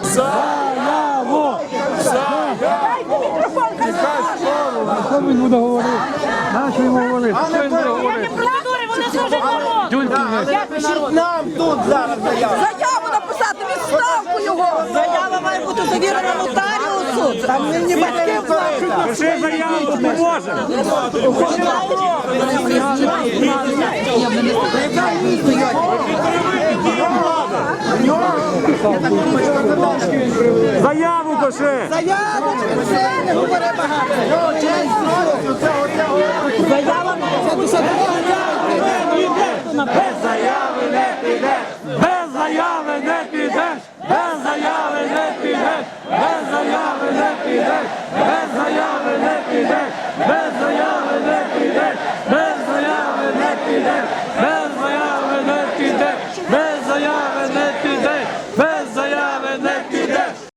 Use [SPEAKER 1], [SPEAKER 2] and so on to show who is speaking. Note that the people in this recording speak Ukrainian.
[SPEAKER 1] Заяву! Що він буде говорити? Нащо йому говорити? Що він буде говорити?
[SPEAKER 2] Процедури, вони служать народу.
[SPEAKER 3] Пишіть нам тут зараз заяву.
[SPEAKER 4] Заяву написати, відставку його. Заява має бути завірена нотаріусу.
[SPEAKER 3] Там не батьків знають.
[SPEAKER 1] Пиши заяву, тут не можемо. Заяву пиши.
[SPEAKER 4] Заяву напиши, не говори багато. Заява має бути
[SPEAKER 1] Без заяви не підеш, без заяви не підеш, без заяви.